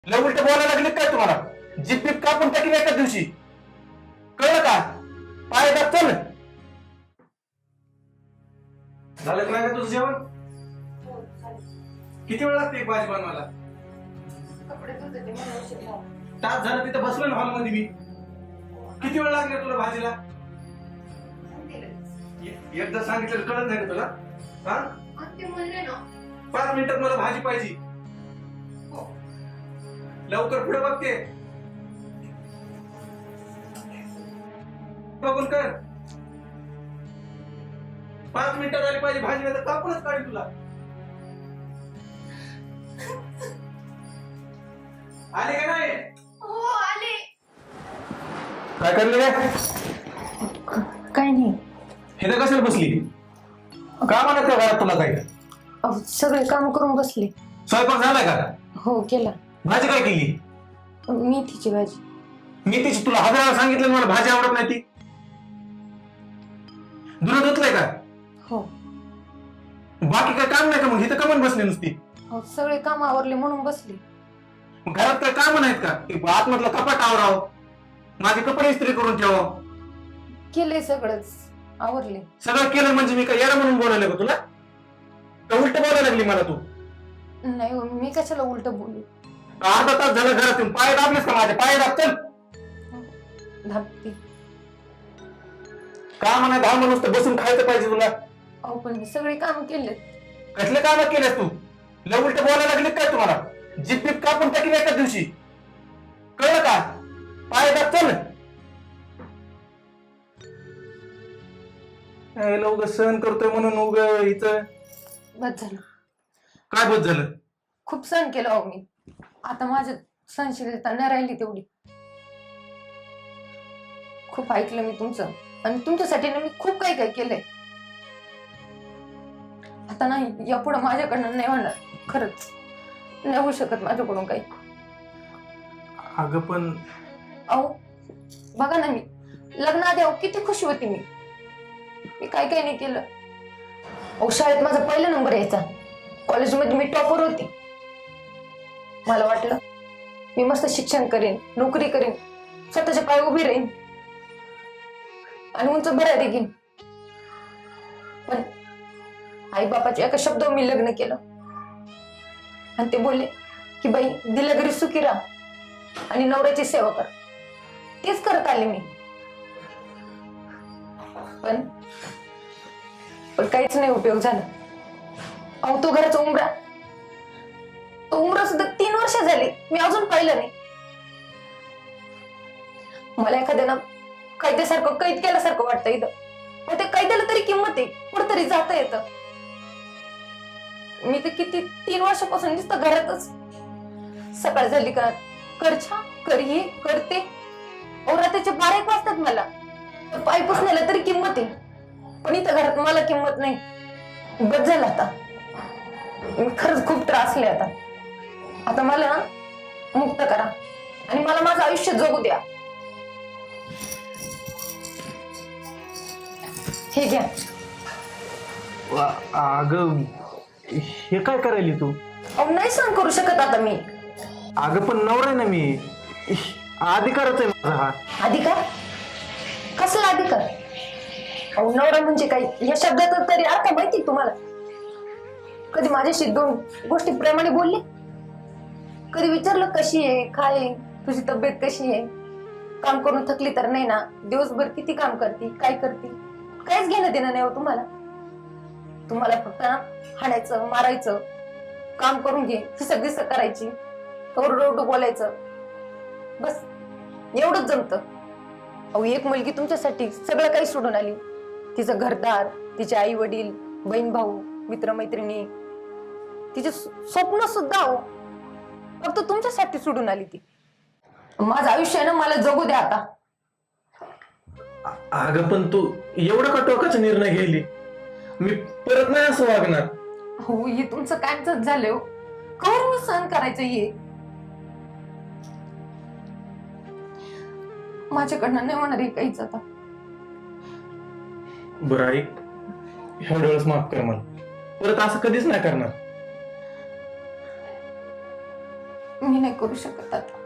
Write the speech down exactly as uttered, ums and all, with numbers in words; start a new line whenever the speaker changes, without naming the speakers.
लय उलट बोलायला लागले काय तुम्हाला? जीप बीप कापून टाकीन एका दिवशी, कळलं का? पाय दाब चल. झालं का नाही का तुझं जेवण? किती वेळ लागते भाजी बनवायला? तास झालं तिथं बसलो ना हॉल मध्ये मी. किती वेळ लागला तुला भाजीला? एकदा सांगितलं कळत नाही का तुला? हा पाच मिनिटात मला भाजी पाहिजे. लवकर पुढे बघते, बघून कर. पाच मिनिटात आली पाहिजे भाजी, नाही तर कापूनच काढेल तुला. आले का नाही?
हो आले.
काय करले काय?
काय नाही.
हे तर कशाला बसली? का म्हणत त्या घरात तुला काय?
अहो, सगळे काम करून बसले.
स्वयंपाक झाला का?
हो केला.
भाजी काय केली?
मेथीची भाजी.
मेथीची तुला हजार वेळा सांगितलं मला भाजी आवडत नाही ती. धुणं धुतलंय का?
हो.
बाकी काय काम नाही का मग? इथं कमन बसली नुसती?
अहो, सगळे काम आवरले म्हणून बसले.
मग घरात काय काम नाहीत का? आतमधलं कपाट आवराव, माझे कपडे इस्त्री करून ठेवाव.
केले सगळंच, आवरले.
सगळं केलं म्हणजे मी काय येडा म्हणून बोलायला का तुला? का उलट बोलायला लागली मला तू?
नाही हो, मी कशाला उलट बोलू?
अर्धा तास झालं घरात येऊन. पाय दाबलेस का माझे? पाय दाब चल.
धाकटी.
काम नाही धाम नुसतं बसून खायचं पाहिजे तुला.
अहो पण मी सगळे काम केले.
कसले काम केलेस तू? लय उलट बोलायला लागले काय तुम्हाला? जीप बीप कापून टाकीन एका दिवशी, कळलं का? पाय दाब चल. उग सहन करतोय म्हणून उग इथं
बस झालं.
काय बस झालं?
खूप सहन केलं अहो मी. आता माझ्या सहनशीलता नाही राहिली तेवढी. खूप ऐकलं मी तुमचं, आणि तुमच्यासाठी ना मी खूप काही काही केलंय. आता नाही, यापुढे माझ्याकडनं नाही होणार. खरंच नाही होऊ शकत माझ्याकडून काही.
अगं पण
अहो बघा ना, मी लग्नाआधी अहो किती खुशी होती. मी मी काय काय नाही केलं. अहो शाळेत माझा पहिला नंबर यायचा, कॉलेजमध्ये मी टॉपर होती. मला वाटलं मी मस्त शिक्षण करेन, नोकरी करेन, स्वतःच्या पाय उभी राहीन आणि उंच बऱ्या देखील. पण आई बापाच्या एका शब्दावर मी लग्न केलं आणि ते बोलले की बाई दिल्या घरी सुखी राहा आणि नवऱ्याची सेवा कर. तेच करत आले मी. पण पण काहीच नाही उपयोग झाला. अहो तो घराचा उंबरा, तो उंबरा सुद्धा तीन वर्ष झाली मी अजून पाहिलं नाही. मला एखाद्यानं कैद्यासारखं कैद केल्यासारखं वाटतं इथं. पण ते कैद्याला तरी किंमत आहे, कुठंतरी जाता येतं. मी तर किती तीन वर्षापासून नुसतं घरातच. सकाळ झाली का कर छा कर हे करते. अहो रात्रीचे बारा एक वाजतात मला. पाय पुसण्याला तरी किंमत आहे, पण इथं घरात मला किंमत नाही. बस झालं आता. मी खरंच खूप त्रासले आता. आता मला ना मुक्त करा आणि मला माझं आयुष्य जगू द्या. हे घ्या.
अगं हे काय करायली तू?
अहो नाही सहन करू शकत आता मी.
अगं पण नवरा आहे ना मी, अधिकारच आहे माझा हा.
अधिकार? कसला अधिकार? अहो नवरा म्हणजे काय या शब्दाचा तरी अर्थ माहिती तुम्हाला? कधी माझ्याशी दोन गोष्टी प्रेमाने बोलले? कधी विचारलं कशी आहे, काय आहे, तुझी तब्येत कशी आहे? काम करून थकली तर नाही ना? दिवसभर किती काम करते, काय करते? काहीच घेणं देणं नाही हो तुम्हाला. तुम्हाला फक्त ना हाणायचं, मारायचं, काम करून घे, हिसक दिसक करायची, ओरडू बोलायचं, बस एवढंच जमतं. अहो एक मुलगी तुमच्यासाठी सगळं काही सोडून आली. तिचं घरदार, तिचे आई वडील, बहीण भाऊ, मित्रमैत्रिणी, तिचे स्वप्न सुद्धा हो फक्त तुमच्यासाठी सोडून आली ती. माझं आयुष्य आहे ना, मला जगू द्या आता.
अगं पण तू एवढा का टोकाचा निर्णय घ्यायली? मी परत नाही असं वागणार.
हो हे तुमचं कायमच झालंय हो. कवर मी सहन करायचं ये. माझ्याकडनं नाही होणार हे काहीच आता.
बरं ऐक, ह्या वेळेस माफ कर मला. परत असं कधीच नाही करणार.
मी नाही करू शकत आता.